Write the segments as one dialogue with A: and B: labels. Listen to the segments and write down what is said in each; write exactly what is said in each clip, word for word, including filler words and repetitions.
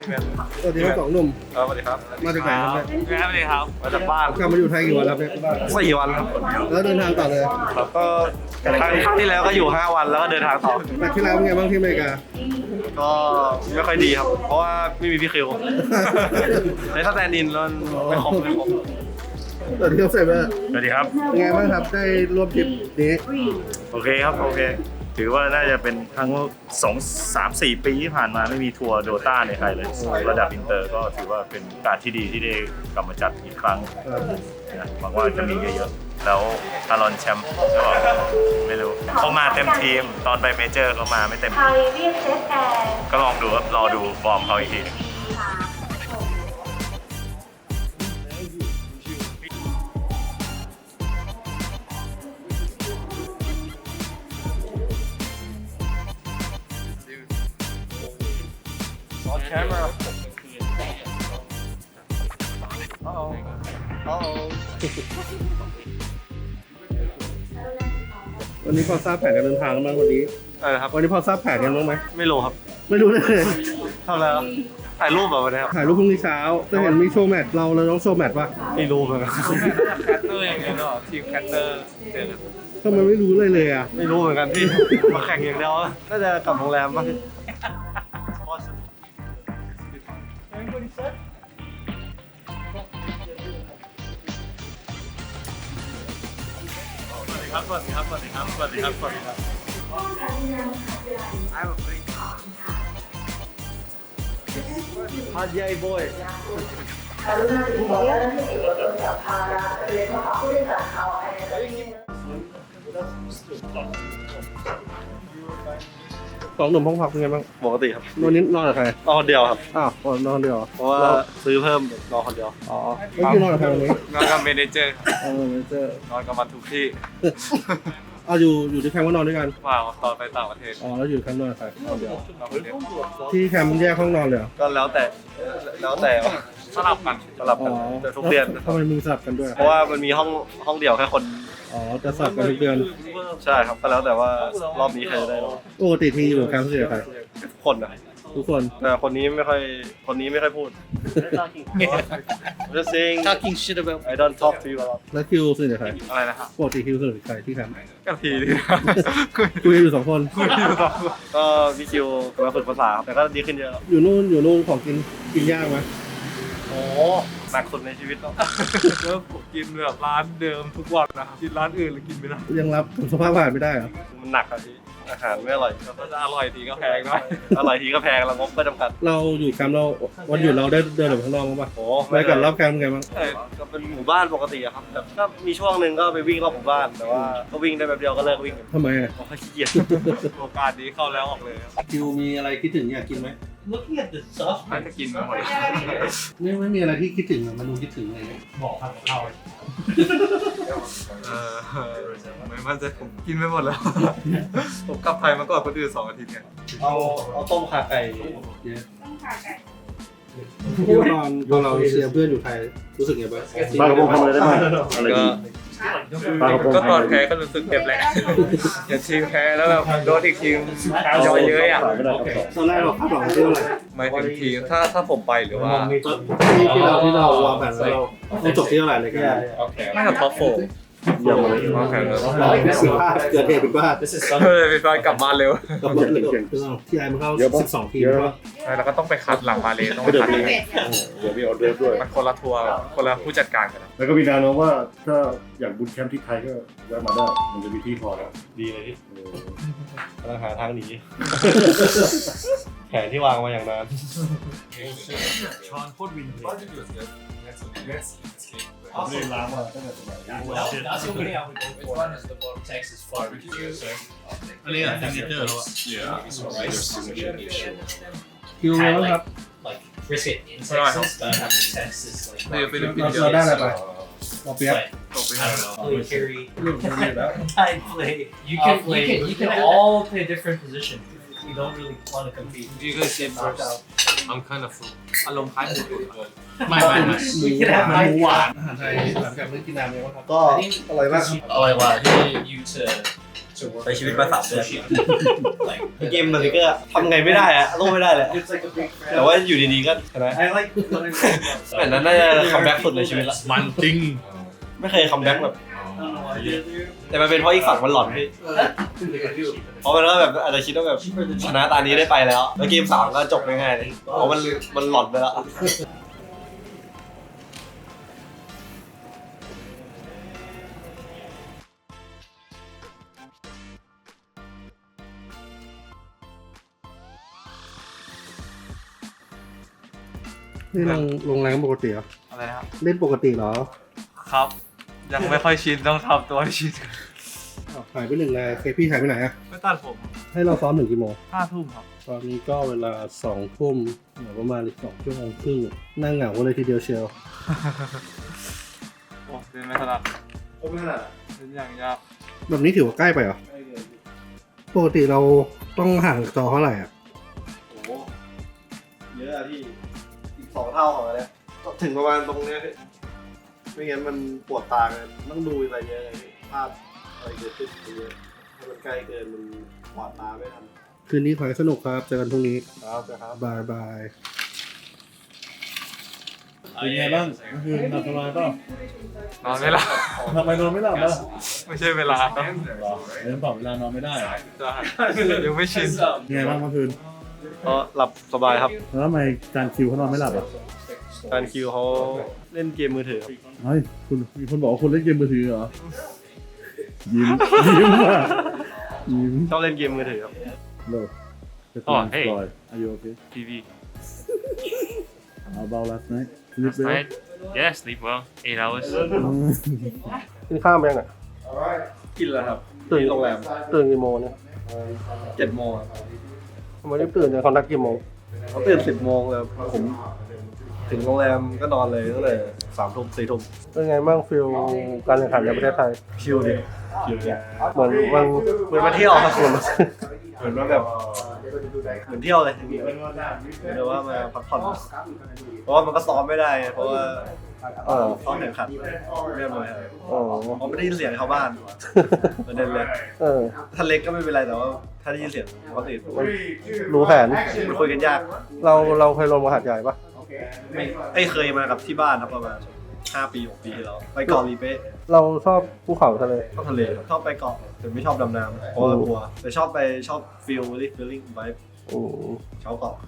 A: พี่แมน
B: สวัสดีทั้งสองหนุ่ม
A: สวัสดีครับ
B: มาจากไหนครับเนี่ย
A: พี่แมนสวัสดีครับมาจากบ้าน
B: กลับมาอยู่ไทยกี่วันแล้วเนี่ย
A: สี่วันครับ
B: แล้วเดินทางต่อเลย
A: แล้วก็ครั้งครั้งที่แล้วก็อยู่ห้าวันแล้วก็เดินทางต่อ
B: แมตช์ที่แล้วเป็นไงบ้างที่อเมริกา
A: ก็ไม่ค่อยดีครับ เพราะว่าไม่มีพี่คิวในสแตนด์อินแล้วไม่ครบไม่ครบ
B: สวัสดีครับเซเบอร์
C: สวัสดีครับ
B: เป็นไงบ้างครับได้ร่วมทริปนี้
C: โอเคครับ โอเค ถือว่าน่าจะเป็นครั้งสองสามสี่ปีที่ผ่านมาไม่มีทัวร์โดต้าในไทยเลย ระดับอินเตอร์ก็ถือว่าเป็นโอกาสที่ดีที่ได้กลับมาจัดอีกครั้งนะหวังว่าจะมีเยอะๆ แล้วทารอนแชมป์ก็ไม่รู้เขามาเต็มทีม ตอนไปเมเจอร์เขามาไม่เต็มทีมก็ลองดูครับรอดูฟอร์มเขาอีกที
A: On camera Uh-oh Uh-oh
B: วันนี้พอทราบแผนการเดินทางกันบ้างวันนี้
A: อะไรนะครับ
B: วันนี้พอทราบแผนกันบ้างไหม
A: ไม่รู้ครับ
B: ไม่รู้เลย
A: ทำอะไรครับถ่ายรูปแบบวันนี้ครับ
B: ถ่ายรูปพรุ่งนี้เช้าจะเห็นมีโชว์แมตช์เราเราต้องโชว์แมตช์ป่ะ
A: ไม่รู้เหมือนกัน
D: แคตเตอร์อย่างเงี้ยเนาะทีมแคตเตอร์เจอกัน
B: ทำไมไม่รู้เลยเลยอ่ะ
A: ไม่รู้เหมือนกันพี่ มาแข่งอย่างเดียวน่าจะกลับโรงแรมป่ะ
C: ครับสวัสดีครับ สวัสดีครับ สวัสดีครับ สวัสดีครับ
A: ฮาร์ดใหญ่บอย
B: สองหนุ่มห้องพักเป็นไงบ้าง
A: ปกติครับ
B: วันนี้นอนกับใคร
A: นอนคนเดียวครับ
B: อ้าวนอนเดียวเหรอ
A: เพราะว่าซื้อเพิ่มนอนคนเดียว
B: อ๋อไม่คือนอนกับใครวันนี้
D: นอนกับเมเนเจอร์
B: เออไม่เจอน
D: อนกับมันทุกที่
B: เอาอยู่อยู่ที่แคมป์ก็นอนด้วยกัน
D: ว่างตอนไปต่างประเทศ
B: อ๋อแล้วอยู่แคมป์นอนกับใครนอนเดียวน
D: อนคนเดียว
B: ที่แคมป์แยกห้องนอนเลยเหรอ
A: ก็แล้วแต่แล้วแต่
D: สลับกัน
A: สลับกันแต่ทุกเดือน
B: ทำไมมึงสลับกันด้วย
A: เพราะว่ามันมีห้องห้องเดียวแค่คน
B: อ๋อจะสลับกันทุกเดือน
A: ใช่ครับก็แล้วแต่ว่ารอบนี้ใครจะได้รางวัล
B: ปกติทีอยู่แคมป์ที่ไหนใคร
A: ทุกคนนะ
B: ทุกคน
A: แต่คนนี้ไม่ค่อยคนนี้ไม่ค่อยพูด Just saying
D: talking shit about
A: I don't talk to you a lot
B: แล้วคิวสนิทกับใคร
D: อะไรนะครับ
B: ปกติคิวสนิทกับใครที่แคมป์
D: ก็ทีนี่
B: คุยอยู่สองคน
D: คุยอยู่สองคน
A: ก็พี่คิวมาฝึกภาษาครับแต่ก็ดีขึ้นเยอะ
B: อยู่นู่นอยู่นู่นของกินกินยากไหม
A: โอ้หนักสุดในชีวิตแล้ว
D: แล้วผมกินแบบร้านเดิมทุกวันนะครับกินร้านอื่นหรือกินไม่ได้
B: ยังรับสภาพอาหารไม่ได้เหรอ
A: มันหนักอะพี่อาหารไม่อร่อย
D: แล้วก็จะอร่อยทีก็แพงด้วย
A: อร่อยทีก็แพงแล้วงบก็จำกัด
B: เราอยู่แคมป์เราวันหยุดเราได้เดินออกไปข้างนอกบ้างปะ
A: โอ้
B: ไปกับรอบแคมป์เป็นไงบ้าง
A: เออก็เป็นหมู่บ้านปกติอะครับแต่ก็มีช่วงหนึ่งก็ไปวิ่งรอบหมู่บ้านแต่ว่าก็วิ่งได้แป๊บเดียวก็เลิกวิ่ง
B: ทำไมอ่ะ
A: เพราะขี้เกียจ
D: โอกาสนี้เข้าแล้วออกเลยครับ
B: คิวมีอะไรคิดถึงอยากกินไหม
E: Looking at the sauce,
D: น่าจะกินมาหมด
B: ไม่ไม่มีอะไรที่คิดถึงอะมันดูคิดถึงอะไรเงี้ย
E: บอกครับเรา
D: เออไม่มั่นใจผมกินไปหมดแล้ว ผมกลับไทยมาก่อนคนอื่นสองอาทิตย์เนี่ย
A: เอาเอาต้มขาไก่
B: คิวตอนตอนเราเชียร์เพื่อนอยู่ไทยรู้สึกไงบ้าง
C: ปลากระพงทำอะไรได้บ้างอะไร
D: ก็
C: ดีปลากระพง
D: ก็ตอนแพ้ก็รู้สึกเจ็บแหละอย่าทีมแพ้แล้วแบบโดนอีกทีมย่อยเย้ยอ่ะ
C: ขายไม่ได้ครับ
B: ตอนแรกเราคาดหวังเรื่องอะไร
D: หมายถึงทีมถ้าถ้าผมไปหรือว่า
B: ที่ที่เราที่เราวางแผนไว้เราเราจบที่เท่าไหร่เลยกัน
D: ไม่กับท็อปโฟร์
C: เยี่ยมเลย
D: วางแผนแล้ว
B: สิบห้าเกิดเหตุผิดพลาด
D: เออเป็นการกลับบ้านเร็ว
B: กับรถเลยที่ไอ้มันเข้าสิบสองทีมว่า
D: ใช่แล้วก็ต้องไปคัดหลังมาเลยต้องไปคัดเอง
C: เดี๋ยวมีออเดอร์ด้วย
D: มันคนละทัวร์คนละผู้จัดการกันนะ
C: แล้วก็มีแนวโน้มว่าถ้าอยากบูตแคมป์ที่ไทยก็แวะมาได้ มันจะมีที่พอแล้ว
A: ดีเลยพี่
C: เออก
A: ำลังหาทางหนี แผนที่วางมาอย่างนาน
E: ชอนโคตรวินเลย
C: ผมเลยล้างมาตั้งแต่สมัย
E: That's the way I would go for. Which one is the more Texas barbecue, sir? อันนี้อะซิกเนเจอร์แล้วอะ
B: คิวไงบ้างครับ
E: Like brisket in Texas, but I have the Texas like
D: เดี๋ยวไปดู
B: เราเราได้อะไรไปเราเปียก
E: like, I don't know, play carry,
B: เรื่องนี้แล้ว
E: I play. You can, you can, you can all play different positions. You don't really want to compete.
D: You guys say first I'm kind of full อารมณ์คล้ายหมูตุ๋น
E: ไม่ไม่ไม่
B: หมูหวานหมูหวานอาหารไทยหลังจากเลิกกินน้ำเนี่ยว่าครับก็อร่อยมากครับ
E: อร่อยกว่าที่ you to
A: ใช้ชีวิตมาสามเดือนเกมมันก็ทำไงไม่ได้อะต้องไม่ได้แหละแต่ว่าอยู่ดีๆก็เห็นไหมแบบนั้นน่าจะคัมแบ็กสุดในชีวิตละมันจริงไม่เคยคัมแบ็กแบบแต่มันเป็นเพราะอีกฝั่งมันหลอนพี่เพราะมันก็แบบอาจจะคิดว่าแบบชนะตานี้ได้ไปแล้วแล้วเกมสามก็จบง่ายๆเลยเพราะมันมันหลอนไปแล้ว
B: นี่ลงลงแรงปกติเหรอ
D: อะไรนะครับ
B: เล่นปกติเหรอ
D: ครับ ยังไม่ค่อยชินต้องทำตัวให้ชิน
B: อ้าวหายไปหนึ่งเลยเคพี่หายไปไหนอะ
D: ไม่ตัดผม
B: ให้เราซ้อมหนึ่งกี่โมง
D: ห้าทุ่มครับ
B: ตอนนี้ก็เวลาสองทุ่มเหลือประมาณอีกสองชั่วโมงครึ่งนั่งเหงากันเลยทีเดียวเชียว
D: โอ้เดินไม่ถนัด
A: ผมไม่ถนัด
D: เป็นอย่างยาก
B: แบบนี้ถือว่าใกล้ไปเหรอ ปกติเราต้องห่างจอเท่าไหร่อ่ะ
A: โอ้โหเยอะอะพี่อีกสองเท่าของอันเนี้ยถึงประมาณตรงเนี้ยพี่ไม่งั้นมันปวดตาเลยต้องดูอะไรเยอะเลยพี่ภาพอะไรเกิดขึ้นเยอะถ้ามันใกล้เกินมันปวดตาไม่ทัน
B: คืนนี้ขอให้สนุกครับ เจอกันพรุ่งนี้
A: ครับนะครับ
B: บายบาย
F: เป็นไงบ้างเมื่อคืนนอนสบายเปล่าน
D: อนไม่หลับ
F: ทำไมนอนไม่หลับล่ะ
D: ไม่ใช่เวลาครับ
F: หรอเรื่องเปล่าเวลานอนไม่ได้เหรอ
D: จะยังไม่ชิน
F: เป็นไงบ้างเมื่อคืน
A: ก็หลับสบายครับ
F: แล้วทำไมจานคิวเขานอนไม่หลับอ่ะ
A: การคิวเขาเล่นเกมมือถือครับ
F: เฮ้ยคุณมีคนบอกว่าคุณเล่นเกมมือถือเหรอยิ้มยิ้มอ่ะยิ้ม
A: ชอบเล่นเกมมือถือครับ
F: โล
G: Oh, hey.
F: Are you okay?
G: T V.
F: How about last night? Sleep
G: Last
F: well?
G: night, yeah, sleep well. Eight hours.
B: กินข้าวแม่งอ่ะ
A: กินแล้วครับ
B: ตื่น
A: โรงแรม
B: ตื่นกี่โมงเนี่ย
A: เจ็ดโมง
B: ทำไมได้ตื่นเนี่ยเขานัดกี่โมง
A: เขาตื่นสิบโมงแล้วผมถึงโรงแรมก็นอนเลยตั้งแต่สามทุ่มสี่ทุ่ม
B: เป็นไงบ้างฟิลการแข่งขันในประเทศไทย
A: ชิลดิชิลดิ
B: เหมือนมัน
A: เหมือนมาเที่ยวครับคุณเหมือนว่าแบบเหมือนเที่ยวเลยเหมือนว่ามาพักผ่อนเพราะว่ามันก็ซ้อมไม่ได้ไงเพราะว่า
B: เออ
A: ซ้อมแข่งขันเรียบร้อยครับ
B: อ๋อ
A: เพราะไม่ได้ยินเสียงชาวบ้านประเด็นเลย
B: เออ
A: ถ้าเล็กก็ไม่เป็นไรแต่ว่าถ้าได้ยินเสียงปกติ
B: รู้แผน
A: มันคุยกันยาก
B: เราเราเคยลงมาหาดใหญ่ปะ
A: ไม่ไอ้ยเคยมากับที่บ้านครับประมาณห้าปีหกปีที่แล้วไปเกาะลีเป้
B: เราชอบภูเขาทะเล
A: ชอบทะเลชอบไปเกาะแต่ไม่ชอบดำน้ำเพราะว่ากลัวแต่ชอบไปชอบฟิลลิ่งฟิลลิ่งไวบ์
B: อืม
A: ชอบเกาะ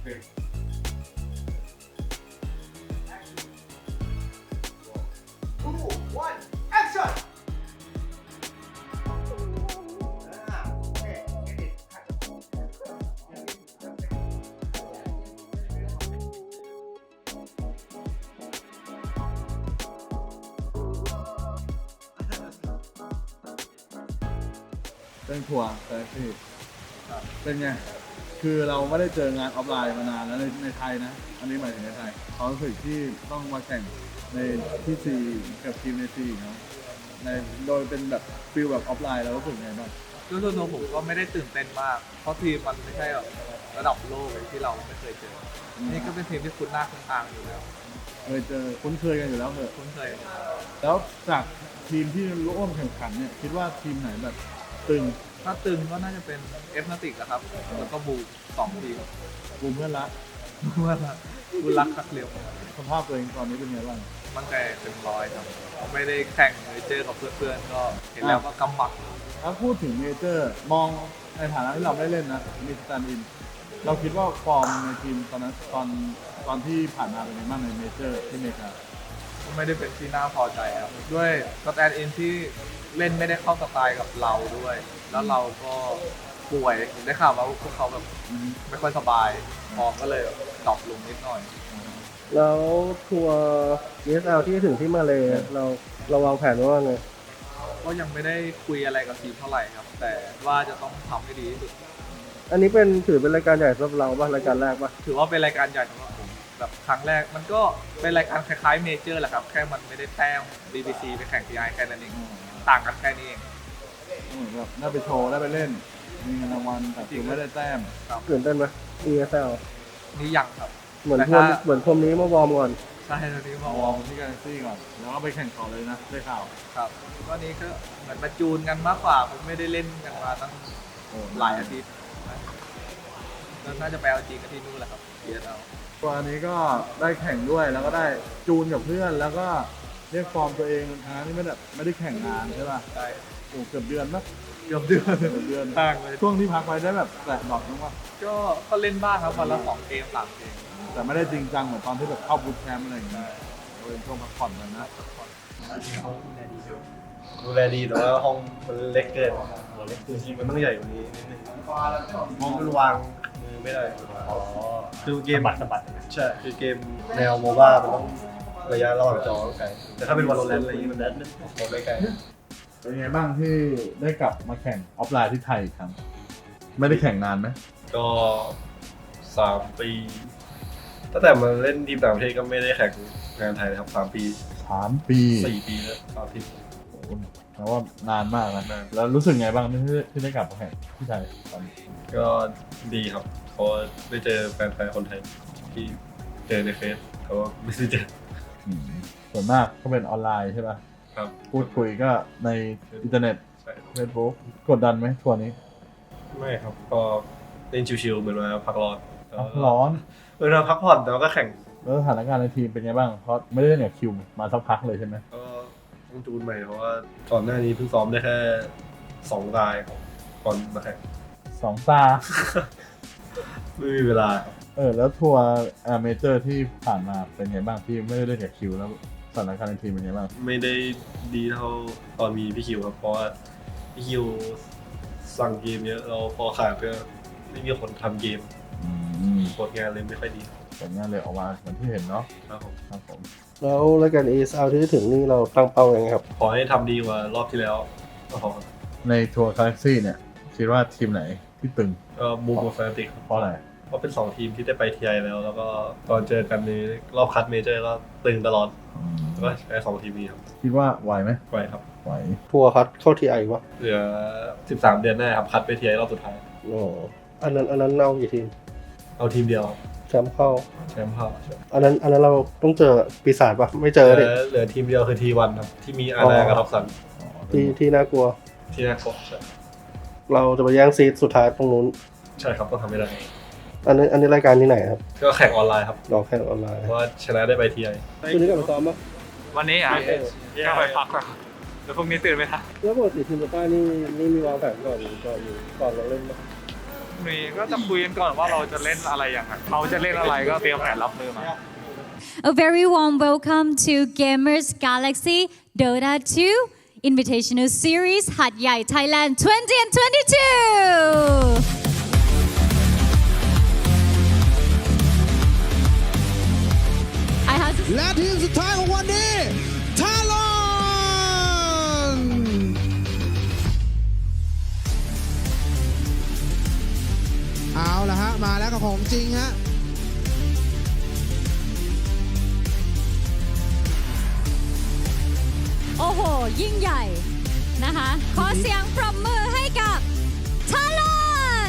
F: เป็นทัวร์แต่ที่เป็นไง คือเราไม่ได้เจองานออฟไลน์มานานแล้วในในไทยนะ อันนี้หมายถึงในไทยความรู้สึกที่ต้องมาแข่งในที่ซีกับทีมในซีเนาะในโดยเป็นแบบฟิลแบบออฟไลน์แล้วรู้สึกไงบ้าง
H: ด้วยตัวผมก็ไม่ได้ตื่นเต้นมาก เพราะทีมมันไม่ใช่แบบระดับโลกที่เราไม่เคยเจอ นี่ก็เป็นทีมที่คุ้นหน้าคุ้นตาอยู่แล้ว
F: เคยเจอคุ้นเคยกันอยู่แล้วเหรอ
H: คุ้นเคย
F: แล้วจากทีมที่ร่วมแข่งขันเนี่ยคิดว่าทีมไหนแบบตึง
H: ถ้าตึงก็น่าจะเป็นเอฟนาติกนะครับ แล้วก็บูสองทีม
F: กลุ่มเพื่อนรัก
H: เมื่อละบุรักคักเร็ว
F: สภาพตัวเองตอนนี้เป็นไงบ้าง
H: มันแต่เต็มร้อยครับ ไม่ได้แข่งเลยเจอกับเพื่อนๆ ก็เห็นแล้วก็กำหมัด
F: ถ้าพูดถึงเมเจอร์มองในฐานะที่เราไม่ได้เล่นนะมีสแตนด์อิน เราคิดว่าฟอร์มในทีมตอนนั้นตอนตอนที่ผ่านมาเป็นยังไงบ้างในเมเจอร์ที่อเมริกา
H: ก็ไม่ได้เป็นที่น่าพอใจครับ ด้วยสแตนด์อินที่เล่นไม่ได้เข้าสไตล์กับเราด้วย แล้วเราก็ป่วยผมได้ข่าวว่าพวกเขาแบบไม่ค่อยสบายฟอร์มก็เลยดรอปลงนิดหน่อย
B: แล้วทัวร์ เอ เอส แอล ที่ถึงที่มาเลยเราเราวางแผนไว้ว่าไง
H: ก็ยังไม่ได้คุยอะไรกับทีมเท่าไหร่ครับ แต่ว่าจะต้องทำให้ดีที่สุด
B: อันนี้เป็นถือเป็นรายการใหญ่สำหรับเราป่ะรายการแรกป่ะ
H: ถือว่าเป็นรายการใหญ่สำหรับผมแบบครั้งแรกมันก็เป็นรายการคล้ายๆเมเจอร์แหละครับ แค่มันไม่ได้แต้ม บี บี ซี ไปแข่ง ที ไอ แค่นั้นเองต่างกันแค่นี้เอง
F: เหมือนแบบได้ไปโชว์ได้ไปเล่น มีเงินรางวัลแต่คือไม่ได้แต้ม
B: ตื่นเต้นไหม เอ เอส แอล
H: นี่ยังครับ
B: เหมือน
H: แต่
B: พรม
H: ถ้า
B: เหมือนพรมนี้มาวอร์มก่อน
H: ใใช่ตอนนี้มาว
F: อ
H: อ
F: ร์
H: ร์
F: ม
H: ม
F: ที่กาแล็กซี่ก่อน แล้วก็ไปแข่งต่อเลยนะได้ข่าว
H: ครับตอนนี้ก็เหมือนมาจูนกันมากกว่าผมไม่ได้เล่นกันมาตั้ง
F: โอ้
H: หลายอาทิตย์แล้วน่าจะไปเอาจริงกันที่นู่นแหละครับเดียร์เอา
F: ตัวอันนี้ก็ได้แข่งด้วยแล้วก็ได้จูนกับเพื่อนแล้วก็เรียกฟอร์มตัวเองทั้งที่ไม่ได้ไม่ได้แข่งงานใช่ป่ะ
H: ใช่
F: โอ้เกือบเดือนปะ
H: เกือบเดือน
F: เกือบเดือน
H: ต่างเลย
F: ช่วงที่พักไปได้แบบแตะดอกนึงว่า
H: ก็ก็เล่นบ้างครับวันละสองเกมสามเกม
F: แต่ไม่ได้จริงจังเหมือนตอนที่แบบเข้าบูทแคมป์อะไรอย่างเงี้ยเป็นช่วงพักผ่อนเลยนะ
A: ดูแลดีแต่ว่าห้องมันเล็กเกินจริงๆมันต้องใหญ่กว่านี้นิดนึงห้องมันวางมือไม่ได้อ๋อคือเกม
G: สะบัดสะบัด
A: ใช่คือเกมแนวโมบ้ามันต้องระยะระหว่างจอไกลแต่ถ้าเป็นวอลเลนอะไรอย่างงี้มันนั้นมันไม่ไกล
F: เป็นไงบ้างที่ได้กลับมาแข่งออฟไลน์ที่ไทยอีกครั้งไม่ได้แข่งนานไหม
A: ก็สามปีตั้งแต่มาเล่นทีมต่างประเทศก็ไม่ได้แข่งงานไทยนะครับสามปี
F: สามปี
A: สี่ปีแล้วสามปี
F: โอ้โหแปลว่านานมากนะ
A: นาน
F: แล้วรู้สึกไงบ้างที่ที่ได้กลับมาแข่งที่ไทยตอนนี้
A: ก็ดีครับเพราะว่าได้เจอแฟนๆคนไทยที่เจอในเฟซแต่ว่าไม่ได้เจอ
F: อืมส่วนมากก็เป็นออนไลน์ใช่ป่ะ
A: ครับ
F: พูดคุยก็ในอินเทอร์เน็ต
A: ใช่
F: เฟซบุ๊กกดดันไหมทัวร์นี้
A: ไม่ครับก็เล่นชิวๆเหมือนมาพักร้อน
F: ร้อน
A: เวลาพักผ่อนแต่ว่าก็แข่ง
F: แล้วสถานการณ์ในทีมเป็นไงบ้างเพราะไม่ได้เล่นกับคิวมาสักพักเลยใช่ไหม
A: ก็ต้องจูนใหม่เพราะว่าก่อนหน้านี้เพิ่งซ้อมได้แค่สองรายครับก่อนมาแข่ง
F: สองตา
A: ไม่มีเวลาครับ
F: เออแล้วทัวร์เมเจอร์ที่ผ่านมาเป็นไงบ้างที่ไม่ได้เล่นกับคิวแล้วสถานการณ์ในทีมเป็นไงบ้าง
A: ไม่ได้ดีเท่าตอนมีพี่คิวครับเพราะว่าพี่คิวสั่งเกมเยอะเราพอขาดก็ไม่มีคนทำเกม
F: อืม
A: ผลงานเลยไม่ค่อยดี
F: ผลงานเลยออกมาเหมือนที่เห็นเนาะ
A: ครับผม
F: ครับผม
B: แล้วรายการ เอ เอส แอล ที่จะถึงนี่เราตั้งเป้ายังไงครับ
A: ขอให้ทำดีกว่ารอบที่แล้วก็พอครับ
F: ในทัวร์กาแล็กซี่เนี่ยคิดว่าทีมไหนที่ตึง
A: ก็มูฟกับแฟนติกครับ
F: เพราะอะไร
A: เพราะเป็นสองทีมที่ได้ไปทีไอแล้ว แล้วก็ตอนเจอกันในรอบคัดเมเจอร์ก็ตึงตลอด
F: อืม
A: แล้วก็ใช้สองทีมนี้ครับ
F: คิดว่าไหวไหม
A: ไว้ครับ
F: ไหว
B: ทัวร์คัดเข้าทีไอวะ
A: เหลือสิบสามเดือนหน้าครับคัดไปทีไอรอบสุดท้าย
B: โอ้อันนั้นอันนั้นเอากี่ทีม
A: เอาทีมเดียว
B: แชมป์เข้า
A: แชมป์เข้า
B: อันนั้นอันนั้นเราต้องเจอปีศาจปะไม่เจ
A: เห
B: อดิ
A: ลือเหลือทีมเดียวคือทีวันครับที่มีอานากับท็อปซัน
B: ที่ที่น่ากลัว
A: ที่น่ากลัวใช่
B: เราจะไปแย่งซีดสุดท้ายตรงนู้น
A: ใช่ครับต้องทำให้ได้
B: อันนี้อันนี้รายการที่ไหนครับ
A: ก็แข่งออนไลน์ครับ
B: ลองแข่งออนไลน์
A: เพราะว่าชนะได้ไปทีไอ
B: คุณนี้กลับมาซ้อมปะ
H: วันนี้อ่ะก็ไปพักแล้วแล้วพรุ่งนี้ตื่นไหมคะ
B: แล้วปกติทีมป้านี่นี่มีวางแผนก่อนก่อนอยู่ก่อนเราเล่นปะ
H: มีก็จะคุยกันก่อนว่าเราจะเล่นอะไรอย่างไรเขาจะเล่นอะไรก็เตรียมแผนรับมือมา
I: A very warm welcome to Gamers Galaxy Dota two Invitational Series Hat Yai Thailand twenty twenty-two.
J: และทีมสุดท้ายของวันนี้ทารอนเอาละฮะมาแล้วกับของจริงฮะ
I: โอ้โห ยิ่งใหญ่นะคะ ขอเสียงปรบมือให้กับทารอน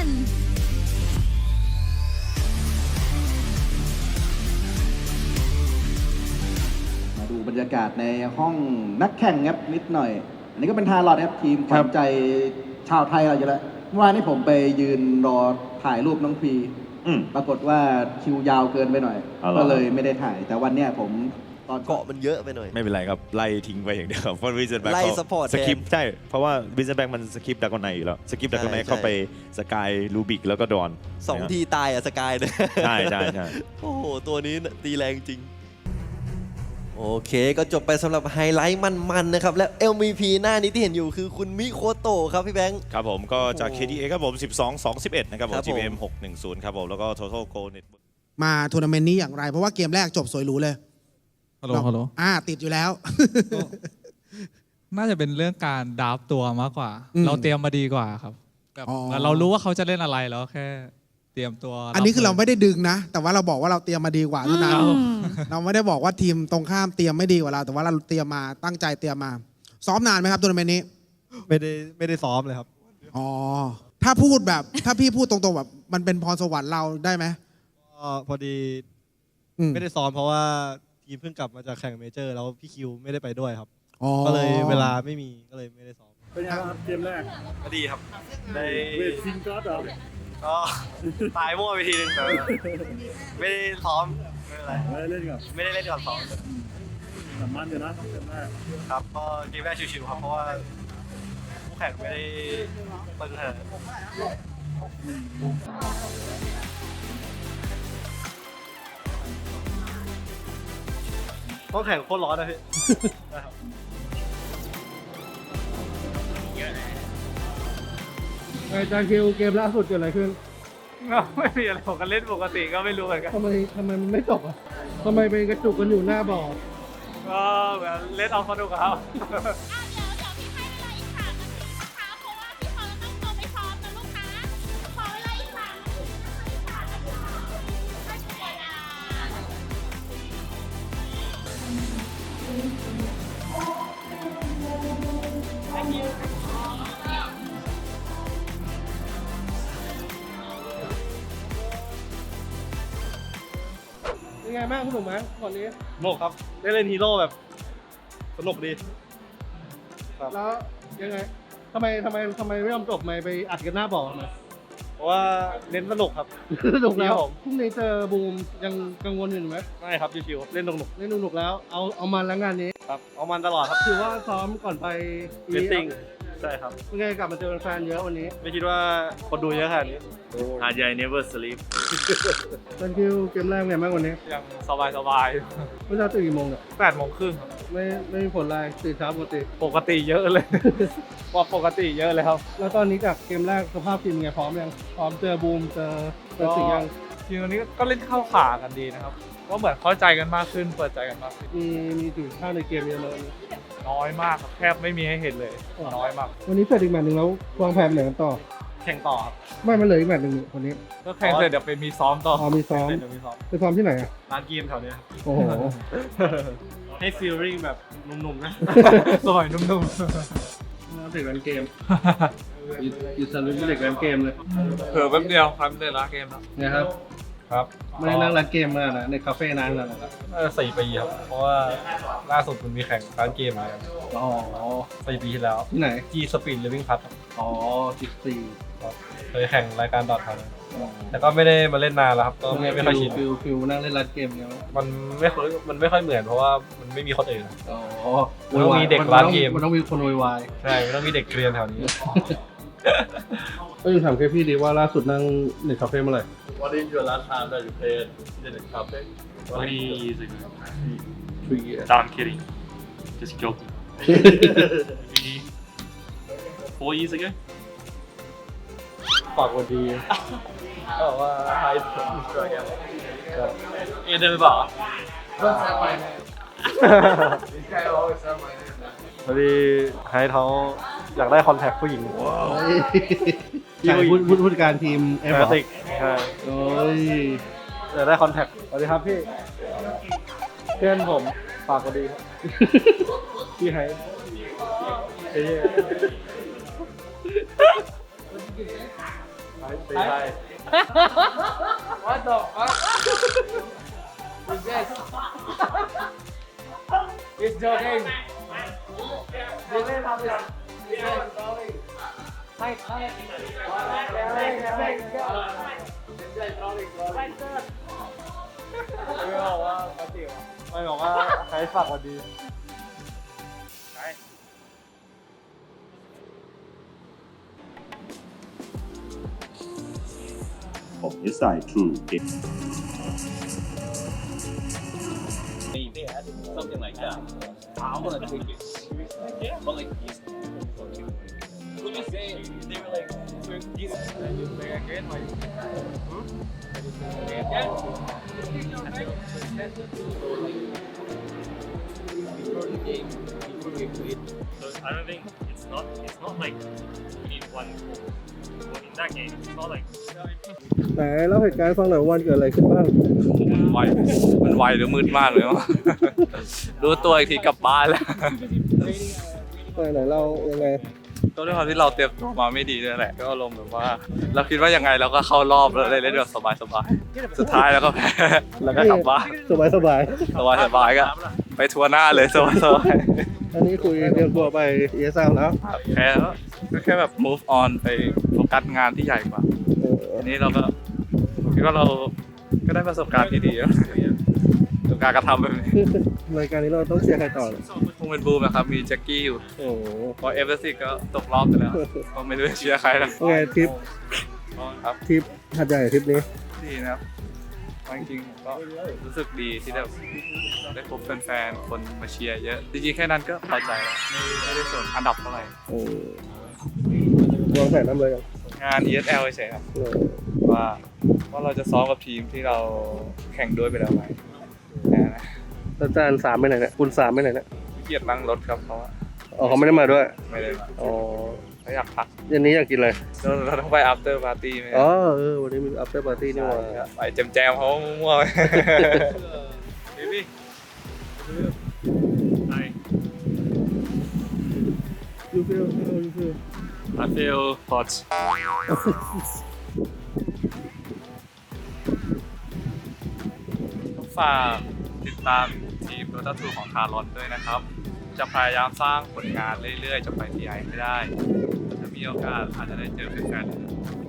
J: มาดูบรรยากาศในห้องนักแข่งครับนิดหน่อย อันนี้ก็เป็นทารอดครับทีมขวัญใจชาวไทยเราอยู่แล้วเมื่อวานนี้ผมไปยืนรอถ่ายรูปน้องพี
C: อืม
J: ปรากฏว่าคิวยาวเกินไปหน่อย
C: เอาเหรอ
J: ก็เลยไม่ได้ถ่าย แต่วันเนี้ยผมตอน
K: เกาะมันเยอะไปหน่อย
C: ไม่เป็นไรครับ ไล่ทิ้งไปอย่างเดียวเพราะวินเซนแบ็ก
K: ไล่
C: เขา
K: support
C: สคริป
K: แทน
C: ใช่ เพราะว่าวินเซนแบ็กมันสคริปต์ดากอนไนอยู่แล้วสคริปต์ดากอนไน
K: ใช่
C: เข้าไปสกายลูบิกแล้วก็ดอน
K: สองทีตายอะสกายเนี่ย
C: ใช่ใช่ใช่
K: โอ้โห ตัวนี้น่ะตีแรงจริง โอเคก็จบไปสำหรับไฮไลท์มันๆนะครับ และ เอ็ม วี พี หน้านี้ที่เห็นอยู่คือคุณมิโคโตะครับพี่แบงค์
C: ครับผมก็จาก
K: โอ้
C: เค ดี เอ ครับผม สิบสอง สอง สิบเอ็ด นะครับผม
K: ครับผม
C: จี พี เอ็ม หกหนึ่งศูนย์ ครับผม แล้วก็ Total Goal Net
J: มาทัวร์นาเมนต์นี้อย่างไร เพราะว่าเกมแรกจบสวยหรูเลย
L: ฮัลโหลฮัลโหล
J: อ่าติดอยู่แล้ว
L: น่าจะเป็นเรื่องการดับตัวมากกว่า
J: อืม
L: เราเตรียมมาดีกว่าครับแบบ
J: อ๋อ
L: เรารู้ว่าเขาจะเล่นอะไรแล้วแค่เตรียมตัว
J: อันนี้คือเรา
L: บ
J: ไม่ได้ดึงนะ แต่ว่าเราบอกว่าเราเตรียมมาดีกว่าเท่านั้น
I: อืม
J: เราไม่ได้บอกว่าทีมตรงข้ามเตรียมไม่ดีกว่าเรา แต่ว่าเราเตรียมมาตั้งใจเตรียมมา ซ้อมนานไหมครับทัวร์นาเมนต์นี้
K: ไม่ได้ไม่ได้ซ้อมเลยครับ
J: อ๋อ ถ้าพูดแบบ ถ้าพี่พูดตรงๆแบบมันเป็นพรสวรรค์เราได้ไหม
K: ก็พอดี
J: อืม
K: ไม่ได้ซ้อมเพราะว่าท
M: ทีมเพิ่งกลับมาจากแข่งเมเจอร์แล้วพี่คิวไม่ได้ไปด้วยครับ
F: อ๋อ
M: ก็เลยเวลาไม่มีก็เลยไม่ได้ซ้อม
B: เป็นยังไงครับเกมแรก
A: ก็ดีครับได้
B: เวทซิงก็อดเหรอ
A: ก็ตายมั่วไปทีนึงแต่ไม่ได้ซ้อมไม่เป็นไร
B: ไม่ได้เล่นกับ
A: ไม่ได้เล่นก่อนซ้อม
B: สำมันอยู่นะเกมแรก
A: ครับก็เกมแรกชิวๆครับเพราะว่าคู่แข่งไม่ได้ตึงขนาดนั้นต้องแข่งโคตรร้อนนะพี่ นะครับ
B: ไอ้จานคิวเกมล่าสุดเกิดอะไรขึ้น
H: ไม่มีอะไรผมก็เล่นปกติก็ไม่รู้เหมือนกัน
B: ทำไมทำไมมันไม่จบอ่ะทำไมเป็นกระจุกกันอยู่หน้าบ่อ
H: ก็แบบเล่นเอาสนุกครับ
B: เป็นไงบ้างสนุกไหมก่อนนี้
A: สนุกครับได้เล่นฮีโร่แบบสนุกดีครับ
B: แล้วยังไงทำไมทำไมทำไมไม่ยอมจบไม่ไปอัดกันหน้าบ่อทำไม
A: เพราะว่าเน้นสนุกครับ
B: สนุกแล้ว
A: ครับผม
B: พรุ่งนี้เจอบูมยังกังวลอยู่ไหม
A: ไม่ครับชิวๆเล่นสนุก
B: เล่นสนุกแล้วเอาเอามันแล้วงานนี้
A: ครับเอามันตลอดครับ
B: ถือว่าซ้อมก่อนไป
A: เวทติ้งใช่ครับ
B: เป็นไงกลับมาเจอแฟนเยอะวันนี้
A: ไม่คิดว่าคนดูเยอะขนาดนี้
C: หาดใหญ่ never sleep
B: ตอนคิวเกมแรกไงบ้างวันนี้
H: ยังสบายสบาย
B: เมื่อเช้าตื่นกี่โมงเนี่ย
H: แปดโมงครึ่ง
B: ไม่ไม่มีผลอะไรตื่นเช้าปกติ
H: ปกติเยอะเลย ว่าปกติเยอะเลยครับ
B: แล้วตอนนี้จากเกมแรกสภาพทีมเป็นไงพร้อมยังพร้อมเจอบูมเจอเจอสิ่งยัง
H: ทีมนี้ก็เล่นเข้าขากันดีนะครับ ก็เหมือนเข้าใจกันมากขึ้น เปิดใจกันมากขึ้น
B: มีมีจุดข้าวในเกมเยอะเลย
H: น้อยมากครับแทบไม่มีให้เห็นเลย น้อยมาก
B: วันนี้เสร็จอีกแมตช์หนึ่งแล้ววางแผนไปไหนกันต่อ
A: แข่งต่อครับ
B: ไม่มันเหลืออีกแมตช์หนึ่งนี่วันนี้
H: ก็แข่งเสร็จเดี๋ยวไปมีซ้อมต่อ
B: อ๋อมีซ้อม
A: เดี๋ยวมีซ้อม
B: ไปซ้อมที่ไหนอ่ะ
A: ร้านเกมแถวเนี้ยครับ
B: โอ้โห
A: ให้ฟีลลิ่งแบบหนุ่มๆนะ
H: สมัยนุ่ม
B: เด็กเล่นเกมอยู่สลุนเด็กเล่นเกมเลย
H: ๆเผื่อแป๊บเดียวครับเล่นร้านเกมแล้ว
B: นะครับ
A: ครับ
B: ไม่ได้นั่งร้านเกมมานะในคาเฟ่นานแล้วนะ
A: น่าจะสี่ปีครับ เพราะว่าล่าสุดมันมีแข่งร้านเกมมา
B: อ๋อ
A: สี่ปีที่แล้ว
B: ที่ไหน
A: G Speed Living Pass ครับ
B: อ๋อสิบสี่
A: ครับเคยแข่งรายการดอททันแต่ก็ไม่ได้มาเล่นนานแล้วครับ ก็ไม่ไม่ค่อยชิน
B: ฟิลฟิลนั่งเล่นร้านเกมเนี้ย
A: มันไม่ค่อยมันไม่ค่อยเหมือนเพราะว่ามันไม่มีคนอื่น
B: อ๋อ
A: มันต้องมีเด็กร้านเกม
B: มันต้องมีคนโวยวาย
A: ใช่มันต้องมีเด็กเกรียนแถวนี้
B: ก็ยังถามแค่พี่ดีว่าล่าสุดนั่งในคาเฟ่เมื่อไหร่
C: What is your last time that you played in the cafe
G: Three years ago.
B: three years
G: No, I'm kidding. Just joking. Maybe four years ago.
A: ฝากวันดีบอกว่าไฮส์อินสตาแกรมเอเดินไปบอก
H: Don't say my name. This guy always say my name.
A: พอดีไฮส์เขาอยากได้คอนแทคผู้หญิง
B: ใช่พูดพูดผู้จัดการทีมเอฟ
A: แฟ
B: เหรอ
A: ติกใช่
B: โอ้ย
A: อยากได้คอนแทคสวัสดีครับพี่เพื่อนผมฝากวันดีครับพี่ไฮส์เอ้ยไฮส์
H: What the fuck? Who's this? He's joking. This is how this. This is trolling. Hi, hi. Trolling, trolling, trolling. This is trolling, trolling.
A: ไม่บอกว่าปกติวะไม่บอกว่าไฮส์ฝากวันดี
N: From his side, true.
O: They had something like that. I want to take it seriously. Yeah. But like these would you say they were like so these and you play again like hmm? Yeah. Before the game, before we played.
G: So I don't think it's not it's not like we need one goal. But in that game, it's not like
B: ไหนเล่าเหตุการณ์ให้ฟังหน่อยว่าวันเกิดอะไรขึ้นบ้าง
H: ไวมันไวหรือมืดมากเลยวะ รู้ตัวอีกทีกลับบ้านแล้ว
B: ไหนไหนเรายังไง
H: ก็ด้วยความที่เราเตรียมตัวมาไม่ดีด้วยแหละก็อารมณ์แบบว่า เราคิดว่ายังไงเราก็เข้ารอบแล้วเลยเล่นแบบสบายๆสุดท้ายแล้วก็แพ้แล้วก็กลับบ้าน
B: สบายสบาย
H: สบายๆก็ไปทัวร์หน้าเลยสบายๆ
B: อันนี้คุยเตรียมตัวไป เอ เอส แอล แล้ว
H: แพ้แล้วก็แค่แบบ move on ไปโฟกัสงานที่ใหญ่กว่าอันนี้เราก็คิดว่าเราก็ได้ประสบการณ์ที่ดีแล้วประสบการณ์กระทำแบบนี้
B: รายการนี้เราต้องเชียร์ใครต่อเลย
H: คงเป็นบูมนะครับมีแจ็คกี้อยู่
B: โอ้โห
H: พอเอฟเอสซิก็ตกรอบไปแล้วก็ไม่รู้จะเชียร์ใครแล้ว
B: โอเคทริป
H: ครับ
B: ทริปหัดใหญ่ทริปนี้
H: ดีนะครับจริงๆก็รู้สึกดีที่ได้ได้พบแฟนๆคนมาเชียร์เยอะจริงๆแค่นั้นก็พอใจแล้วไม่ไม่ได้สนอันดับเท่าไหร่
B: โอ้วางแผนน้ำเลยยัง
H: งาน อี เอส แอล เฉยๆครับว่าว่าเราจะซ้อมกับทีมที่เราแข่งด้วยไปแล้วไหมแค่นั้นนะ
B: อาจารย์สามไปไหนเนี่ยคุณสามไปไหนเนี่ย
H: ขี้เกียจนั่งรถครับเพราะว่า
B: อ๋อเขาไม่ได้มาด้วย
H: ไม่ได้มา
B: อ๋อ
H: เขาอยากพัก
B: เย็นนี้อยากกินอะไร
H: เราเราต้องไป after party ไหม
B: อ๋อเออวันนี้มี after party นี่หว่า
H: ไปแจมๆเขามั่วๆไป Baby Hi
B: You feel you feel
G: I feel hot
H: ฝากติดตามทีม Dota ทูของคาร์ลอนด้วยนะครับ จะพยายามสร้างผลงานเรื่อยๆ จะไปที่ไอให้ได้ถ้ามีโอกาสอาจจะได้เจอแฟนๆ